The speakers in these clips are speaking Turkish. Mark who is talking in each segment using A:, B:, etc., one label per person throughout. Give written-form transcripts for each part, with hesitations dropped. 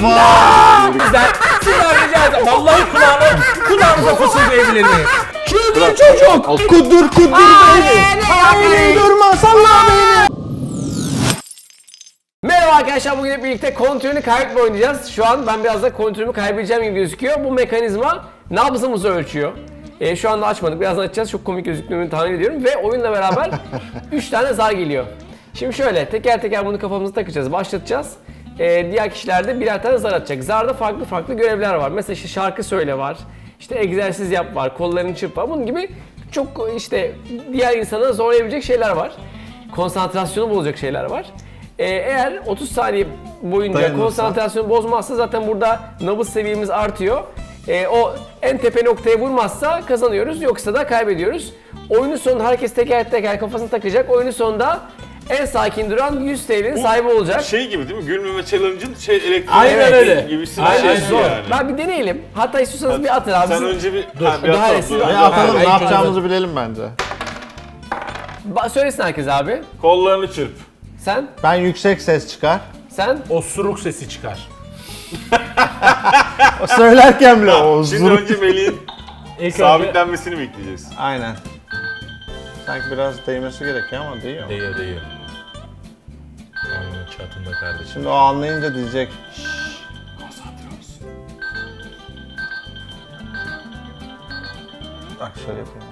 A: Güzel. Sizler rica ederim. Vallahi kulağınıza fısıldayabilir miyim? Çılgın çocuk.
B: Kudur beni. Hayır durma salla beni.
C: Merhaba arkadaşlar, bugün hep birlikte kontrolünü kaybetme oynayacağız. Şu an ben biraz da kontrolümü kaybedeceğim gibi gözüküyor. Bu mekanizma nabzımızı ölçüyor. Şu anda açmadık, birazdan açacağız. Çok komik gözüktüğünü tahmin ediyorum. Ve oyunla beraber 3 tane zar geliyor. Şimdi şöyle teker teker bunu kafamıza takacağız, başlatacağız. Diğer kişiler de birer tane zar atacak. Zarda farklı görevler var. Mesela işte şarkı söyle var. İşte egzersiz yap var, kollarını çırp var. Bunun gibi çok işte diğer insana zorlayabilecek şeyler var. Konsantrasyonu bozacak şeyler var. Eğer 30 saniye boyunca konsantrasyonu bozmazsa zaten burada nabız seviyemiz artıyor. O en tepe noktaya vurmazsa kazanıyoruz, yoksa da kaybediyoruz. Oyunun sonunda herkes teker teker kafasını takacak. Oyunun sonunda en sakin duran 100 TL'nin sahibi olacak.
D: Şey gibi değil mi? Gülmeme challenge'ın elektronik
A: Aynen öyle.
D: gibisi
A: Aynen
D: bir şey
A: zor.
D: yani.
C: Ben bir deneyelim. Hatta istiyorsanız bir atın abi.
D: Sen önce bir
A: Dur.
D: bir
C: Daha
D: atalım.
C: eski-
D: Dur.
B: Atalım, ne
C: Aynen.
B: yapacağımızı bilelim bence.
C: Söylesin herkes abi.
D: Kollarını çırp.
C: Sen,
B: Ben yüksek ses çıkar.
C: sen.
A: Osuruk sesi çıkar.
B: Söylerken bile
D: Şimdi önce Melih'in
A: İlk önce
D: sabitlenmesini bekleyeceğiz.
B: Aynen. Sanki biraz değmesi gerekiyor ama değiyor.
A: değiyor. Onun çatında kardeşim.
B: Şimdi o anlayınca diyecek. Bak şöyle yapayım.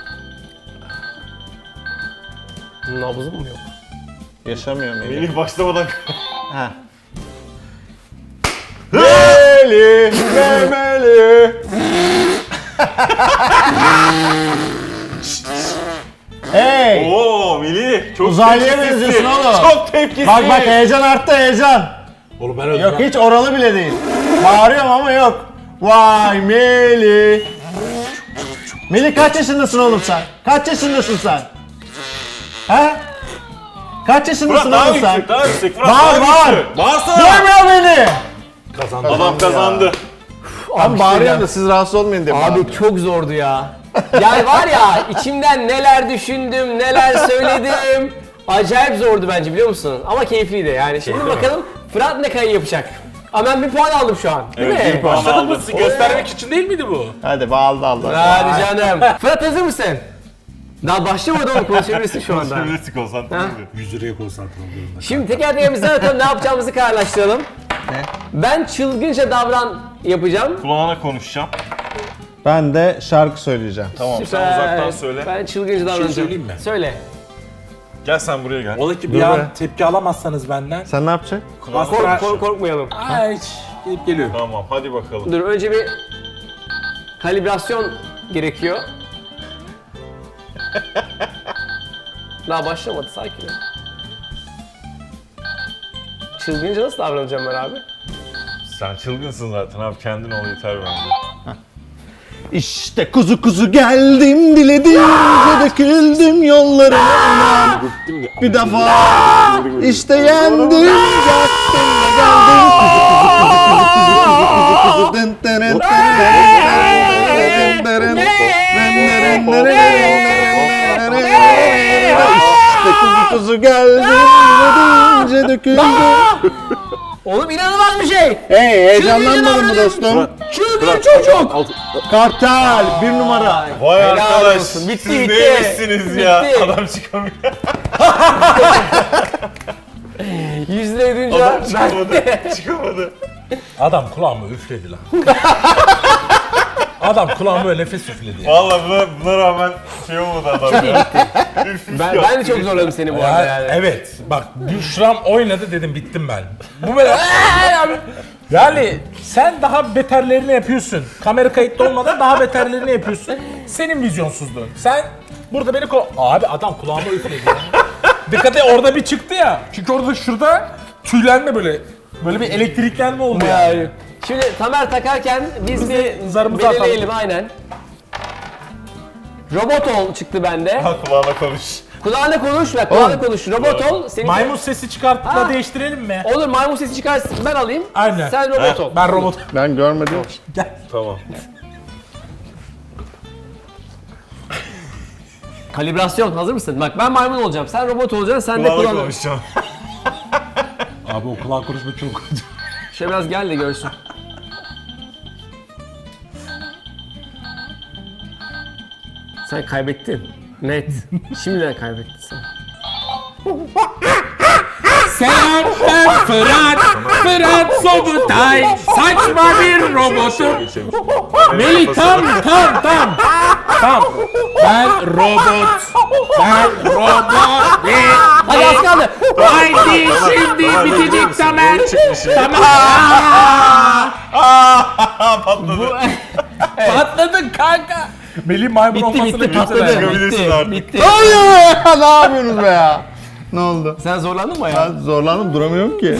C: Nabzım mı yok?
B: Yaşamıyor Melih.
D: Melih başlamadan
B: Ha. Melih, Melih. Hey!
D: Oo Melih çok
B: Uzaylıya
D: tepkisizsin.
B: benziyorsun oğlum.
D: Çok tepkisiz.
B: Bak heyecan arttı heyecan.
A: Oğlum ben öldüm.
B: Yok hiç oralı bile değil. Bağırıyorum ama yok. Vay Melih. Melih kaç yaşındasın oğlum sen? Kaç yaşındasın sen? He? Kaç yaşındasın
D: Fırat daha
B: oğlum sen?
D: yüksek, daha yüksek. Fırat
B: Bağır,
D: daha
B: bağır.
D: güçlü. Bağırsana.
B: Duymuyor beni.
A: Kazandı.
D: Adam kazandı.
B: Abi bağırıyorum da siz rahatsız olmayın diye.
C: Abi çok zordu ya. Yani var ya, içimden neler düşündüm, neler söyledim. Acayip zordu bence, biliyor musun? Ama keyifliydi yani. Şimdi bakalım Fırat ne kadar yapacak. Ama ben bir puan aldım şu an. Değil
D: Evet,
C: mi?
D: bir puan
A: Başladın mı?
D: aldım.
A: Göstermek için değil miydi bu?
B: Hadi bağlı Allah.
C: Hadi canım. Fırat hazır mısın? Daha başlamadı oğlum, konuşabilirsin şu anda.
D: Konuşabilirsin, konsantre ol.
A: 100 liraya konsantre oluyorum.
C: Şimdi teker teker biz zaten ne yapacağımızı kararlaştıralım.
B: Ne?
C: Ben çılgınca davran yapacağım.
D: Kulağına konuşacağım.
B: Ben de şarkı söyleyeceğim.
D: Tamam sen
C: Süper.
D: uzaktan söyle.
C: Ben çılgınca davranacağım.
A: söyleyeyim mi?
C: Söyle.
D: Gel sen buraya gel.
A: Ola ki
B: Dur
A: bir
B: be.
A: an tepki alamazsanız benden.
B: Sen ne yapacaksın?
D: Kulağına
C: Korkmayalım.
A: Ay hiç gidip geliyorum.
D: Tamam hadi bakalım.
C: Dur, önce bir kalibrasyon gerekiyor. Daha başlamadı, sakin ol. Çılgınca nasıl davranacağım ben abi?
D: Sen çılgınsın zaten abi, kendin ol yeter bence.
B: İşte kuzu kuzu geldim diledim döküldüm yollarına. Bir defa işte yendim yaktım ve geldim kuzu kuzu dın dırın İşte kuzu kuzu geldim diledince döküldüm.
C: Oğlum inanılmaz bir şey!
B: Hey heyecanlanmadın mı dostum?
C: Çılgın çocuk!
B: Kartal bir numara.
D: Vay
C: Helal
D: arkadaş,
C: olsun. Bitti,
D: siz
C: bitti.
D: neymişsiniz ya?
C: Bitti.
D: Adam çıkamıyor.
C: 100 lira ödünce
D: Adam çıkamadı. Çıkamadı.
A: Adam kulağıma üfledi lan. Adam kulağıma böyle nefes üfledi ya.
D: Vallahi buna rağmen şey olmadı adam ya.
C: ben de çok zorladım seni bu arada yani.
A: Evet bak Büşram oynadı dedim bittim ben. Bu böyle yani sen daha beterlerini yapıyorsun. Kamera kayıtlı olmadan daha beterlerini yapıyorsun. Senin vizyonsuzluğun. Sen burada beni abi adam kulağıma üfledi ya. Dikkat et, orada bir çıktı ya. Çünkü orada şurada tüylenme böyle bir elektriklenme oldu yani.
C: Yani. Şimdi Tamer takarken biz
A: de
C: bir
A: zarımızı
C: belirleyelim aynen. Robot ol çıktı bende.
D: Ha, kulağına konuş.
C: Kulağına konuş ve kulağına konuş. Robot ol. Senin
A: Maymun sesi çıkartıp
C: Ha.
A: da değiştirelim mi?
C: Olur, maymun sesi çıkarsın, ben alayım.
A: Aynen.
C: Sen robot ol.
A: Ben robot.
B: Ben görmedim.
A: Gel.
D: Tamam.
C: Kalibrasyon, hazır mısın? Bak ben maymun olacağım, sen robot olacaksın, sen de
D: Kulağına
C: kulağına.
D: konuşacağım.
A: Abi o kulak konuşma çok
C: Şöyle biraz gel de görsün. Sen kaybettin. Net. Şimdiden kaybettin sen.
A: Selam ben Fırat. Fırat Sobutay. Saçma bir robotum. Melih tam. Tam. Ben robot.
C: Hadi az kaldı.
A: Haydi şimdi bitecek Tamer. Tamam. Patladın kanka. Melih maymun olmasını
C: Bitti patladı.
D: Çıkabilirsin artık.
C: Bitti.
B: Hayır! Ne yapıyorsunuz be ya? Ne oldu?
C: Sen zorlandın mı ya?
B: Ben zorlandım, duramıyorum ki.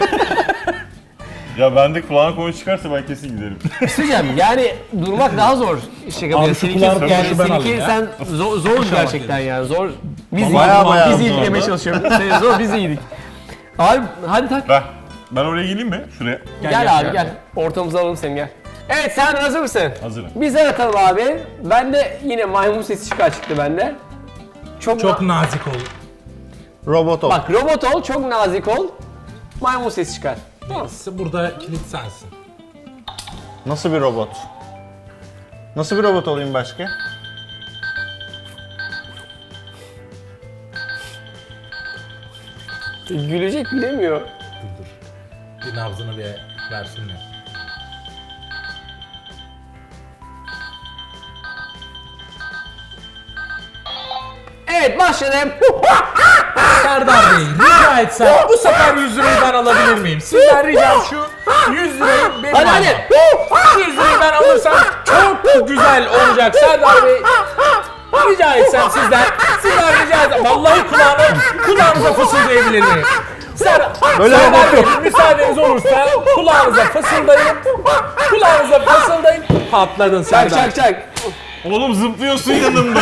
D: Ya bende kulağına konu çıkarsa ben kesin giderim.
C: Söyleyeceğim yani durmak daha zor. Şaka
A: Abi
C: bir
A: şu kulağını
C: yani
A: ben alayım
C: seninki
A: ya.
C: sen zor gerçekten yani zor. Biz
B: Bayağı
C: biz
B: zor.
C: iyi demeye çalışıyorum. Sen zor biz iyiydik. Abi hadi tak.
D: Ben oraya geleyim mi? Şuraya.
C: Gel abi gel. Ortamıza alalım seni gel. Evet sen hazır mısın?
D: Hazırım.
C: Bizden atalım abi. Bende yine maymun sesi çıktı bende.
A: Çok nazik ol.
B: Robot ol.
C: Bak robot ol, çok nazik ol. Maymun sesi çıkar. Tamam.
A: Burada kilit sensin.
B: Nasıl bir robot? Nasıl bir robot olayım başka?
C: Gülecek bilemiyor.
A: Bir nabzını bir versinler.
C: Evet başladım.
A: Serdar Bey rica etsem bu sefer 100 lirayı ben alabilir miyim? Sizden ricam şu 100 lirayı benim
C: Hadi,
A: almam.
C: hadi.
A: 100 lirayı ben alırsam çok güzel olacak Serdar Bey. Rica etsem sizden rica etsem. Vallahi kulağınıza fısıldayabilir miyim?
B: Böyle
A: Serdar
B: robot
A: Bey,
B: yok.
A: müsaadeniz olursa kulağınıza fısıldayın. Kulağınıza fısıldayın. Patladın Serdar.
C: Çak.
D: Oğlum zıplıyorsun yanımda.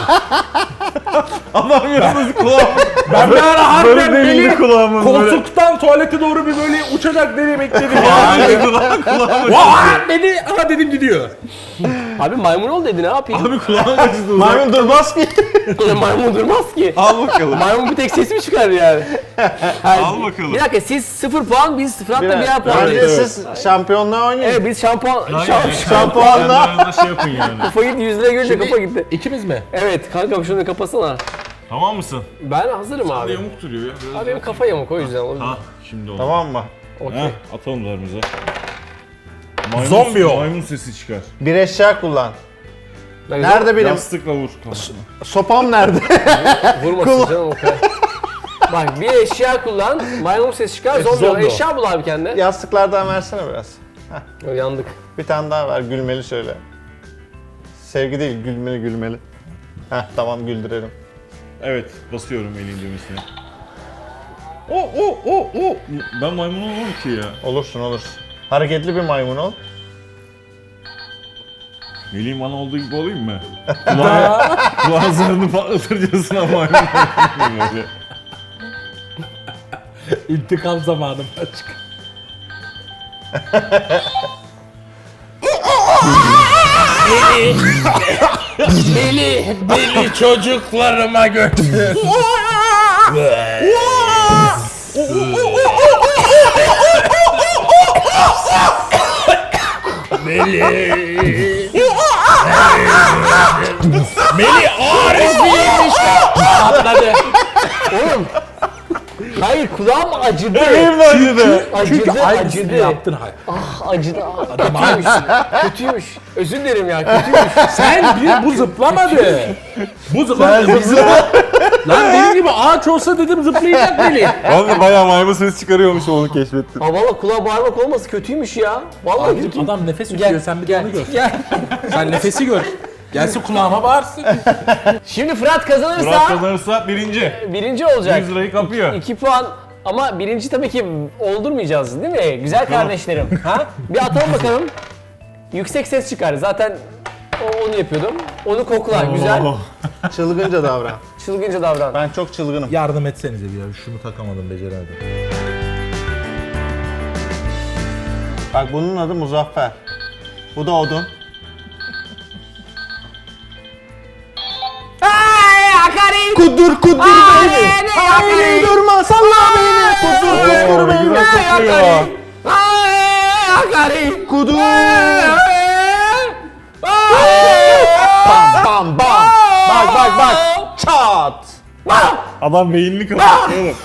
D: Adam yanımda kulağım.
A: Ben bir ara harbiden
D: Böyle değildi
A: beni
D: kulağımın böyle.
A: koltuktan tuvalete doğru bir böyle uçacak diye bekledim.
D: Abi kulağım.
A: Vaa dedi, aha dedim gidiyor.
C: Abi maymun ol dedi ne yapayım?
D: Abi kulağım acıdı.
B: Maymun durmaz ki.
C: Maymun durmaz ki.
D: Al bakalım.
C: Maymun bir tek ses mi çıkar yani?
D: Al bakalım.
C: Bir dakika siz 0 puan biz Fırat'la birer puan.
B: Bence
C: veriyoruz.
B: siz şampiyonluğa oynayın.
C: Evet biz şampuan
B: Şampuanla.
D: Kendi şey yapın yani.
C: kafa gitti 100 lira görünce kafa gitti.
A: İkimiz mi?
C: Evet kankam şunu kapasana.
D: Tamam mısın?
C: Ben hazırım abi.
D: Yamuk duruyor ya. Biraz
C: Abi benim kafa yamuk o yüzden oldu.
D: Ha şimdi oldu.
B: Tamam mı?
C: Okey.
D: Heh, atalım zarımıza.
A: Zombi o.
D: Maymun sesi çıkar.
B: Bir eşya kullan.
C: Ben
B: Nerede benim?
D: Yastıkla vur kafasına.
B: Sopam nerede?
C: Vurmasın canım o kadar. Bak bir eşya kullan, maymun sesi çıkar, zombi ol.
A: zombi ol.
C: Eşya bul abi kendine.
B: Yastıklardan versene biraz.
C: Yandık.
B: Bir tane daha ver, gülmeli söyle. Sevgi değil, gülmeli. Heh, tamam güldürelim.
D: Evet, basıyorum elin düğmesine. O. Ben maymun olmam ki ya.
B: Olursun. Hareketli bir maymun ol.
D: Melih'in bana olduğu gibi olayım mı? Kulağın zarını patlatırcasına maymun olayım böyle.
A: İntikam zamanı başka. Beni çocuklarıma götür. Melih Arif'iymiş. Patladı.
C: Oğlum. Hayır kulağım acıdı.
B: Benim de acıdı.
A: Çünkü
C: Acıdı,
A: aynısını
C: acıdı.
A: yaptın hayır.
C: Acıdı. Kötüymüş. Kötüymüş. Özür dilerim ya kötüymüş.
A: Bu zıplamadı. Bu zıplamadı. Lan benim gibi ağaç olsa dedim zıplayacak Melih.
D: Ben de bayağı maymun sesi çıkarıyormuş onu keşfettim.
C: Aa valla kulağa bağırmak olması kötüymüş ya. Vallahi kötü.
A: Adam nefes tutuyor sen bir de onu gör.
C: Gel.
A: Sen nefesi gör. Gelsin kulağıma bağırsın.
C: Şimdi Fırat kazanırsa
D: Murat kazanırsa
C: birinci olacak.
D: 100 lirayı kapıyor.
C: 2 puan ama birinci tabii ki oldurmayacağız değil mi? Güzel kardeşlerim. Ha? Bir atalım bakalım. Yüksek ses çıkar. Zaten onu yapıyordum. Onu kokla. Güzel.
B: Çılgınca davran.
C: Çılgınca davran.
B: Ben çok çılgınım.
A: Yardım etsenize bir ya. Şunu takamadım, beceremedim.
B: Bak bunun adı Muzaffer. Bu da odun. Kudur beni. Hayır durma salla beni. Kudur beni.
D: Güzel kokuyor.
C: Bari.
B: Kudu.
C: Bam
B: Bam bam. Bak. Çat.
D: Adam beynini kapattı oğlum.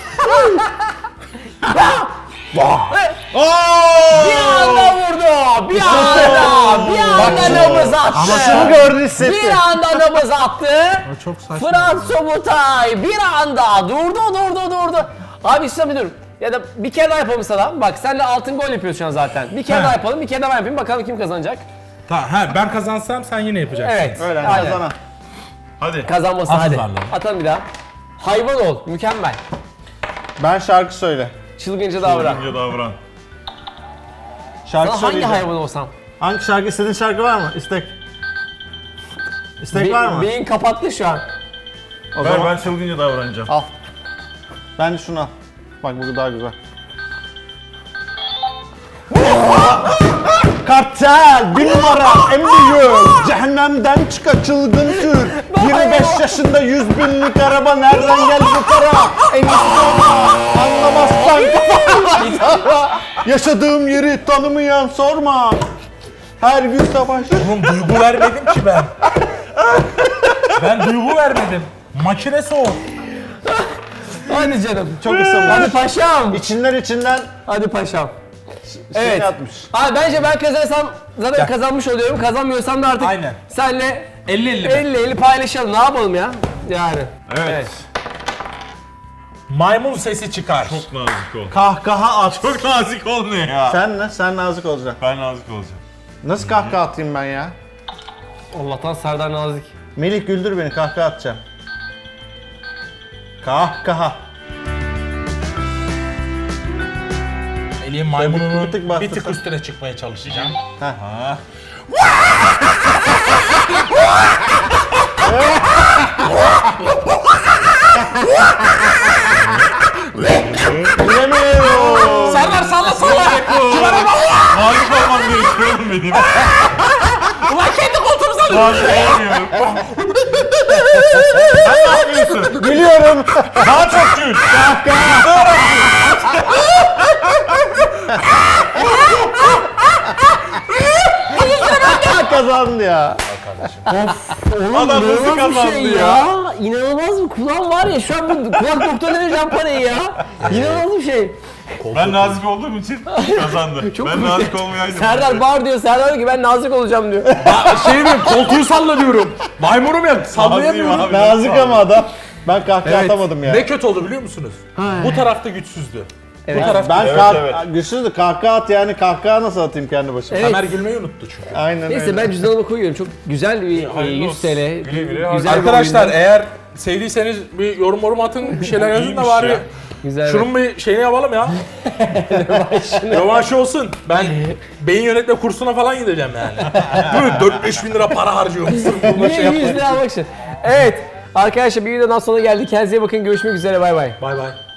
C: Bir anda vurdu. Bir anda nabız attı.
B: Ama şunu gördü hissetti.
C: Bir anda nabız attı.
A: Çok saçma.
C: Fırat Sobutay bir anda durdu. Abi işte dur. Ya da bir kere daha yapalım sana. Bak sen de altın gol yapıyorsun şu an zaten. Bir kere daha yapalım, bir kere daha ben yapayım. Bakalım kim kazanacak.
A: Tamam, ben kazansam sen yine yapacaksın.
C: Evet.
B: Öyle
C: aynen.
B: kazana.
D: Hadi.
C: Kazanması
A: At
C: hadi.
A: zarları.
C: Atalım bir daha. Hayvan ol. Mükemmel.
B: Ben şarkı söyle.
C: Çılgınca davran.
D: Çılgınca davran.
B: Şarkı
C: Sana hangi
B: söyleyeceğim.
C: hayvan olsam?
B: Hangi şarkı? İstediğin şarkı var mı? İstek. İstek var mı?
C: Beyin kapattı şu an.
B: O
D: Ben
B: zaman
D: çılgınca davranacağım.
B: al. Ben de şunu al. Bak bu daha güzel. Kartel bir numara en büyük cehennemden çıka çılgın tür 25 yaşında 100 binlik araba nereden geldi bu para en iyisi sorma anlamazsan kafana yaşadığım yeri tanımayan sorma her gün savaş.
A: Oğlum duygu vermedim ki ben. Ben duygu vermedim. Makinesi o.
C: Hadi canım.
B: Çok ısınmış.
C: Hadi paşam.
B: İçinden
C: Hadi paşam.
B: evet.
C: Evet.
B: atmış.
C: Abi bence ben kazanırsam zaten kazanmış oluyorum. Kazanmıyorsam da artık
A: Aynen.
C: senle
A: 50-50 mi?
C: 50-50 paylaşalım. Ne yapalım ya? Yani.
D: Evet.
A: Maymun sesi çıkar.
D: Çok nazik ol.
B: Kahkaha at.
D: Çok nazik olmuyor ya.
B: Sen ne? Sen nazik olacaksın.
D: Ben nazik olacağım.
B: Nasıl kahkaha atayım ben ya?
C: Allah'tan Serdar Nazik.
B: Melih güldür beni kahkaha atacağım. Kahkaha.
A: Melih'in maymununun
B: bir tık
A: bir
B: bastırsan.
A: tık üstüne çıkmaya çalışacağım.
B: Heh. Bilemiyorum.
A: Serdar salla!
D: Nazik olmam gerekiyor oğlum benim.
A: Ulan kendi koltuğumu salla!
D: Nazik olamıyorum. Sen ne yapıyorsun?
B: Biliyorum.
D: Daha çok gül.
B: Kazandı ya.
D: Adam hızlı
C: İnanılmaz bir
D: kazandı
C: şey
D: ya.
C: İnanılmaz bir kulağım var ya şu an bu kulak doktoruna vereceğim parayı ya. İnanılmaz bir şey.
D: Ben nazik olduğum için kazandı.
C: Çok
D: Ben
C: komik.
D: nazik olmayaydım.
C: Serdar bağır diyor. Serdar diyor ki ben nazik olacağım diyor.
A: Şey mi? Koltuğu salla diyorum. Maymunum ya. Sallayamıyorum.
D: Naziyim abi.
B: Nazik ama adam. Ben kahkaha atamadım ya.
A: Ne kötü oldu biliyor musunuz? Bu tarafta güçsüzdü.
C: Evet.
A: Bu tarafta
B: Ben
D: Evet.
B: güçsüzdü kahkaha at yani kahkaha nasıl atayım kendi başıma?
C: Evet.
A: Ömer gülmeyi unuttu çünkü.
B: Aynen
C: Neyse
B: öyle.
C: ben cüzdanıma koyuyorum. Çok güzel bir
D: hayırlı
C: 100
D: olsun.
C: TL.
D: Güle güle.
C: Güzel bir
A: Arkadaşlar
C: oyundu.
A: eğer sevdiyseniz bir yorum atın, bir şeyler yazın da
D: İyiymiş
A: bari
D: ya.
C: Güzel.
A: şunun bir şeyini yapalım ya. Rövanşı olsun. Ben beyin yönetme kursuna falan gideceğim yani. Böyle 4-5 bin lira para harcıyorum sırf bununla
C: Niye
A: şey
C: 100
A: yapmak.
C: lira almak için? Evet. Arkadaşlar bir videodan sonra geldik. Kendinize iyi bakın. Görüşmek üzere. Bay bay.
A: Bay bay.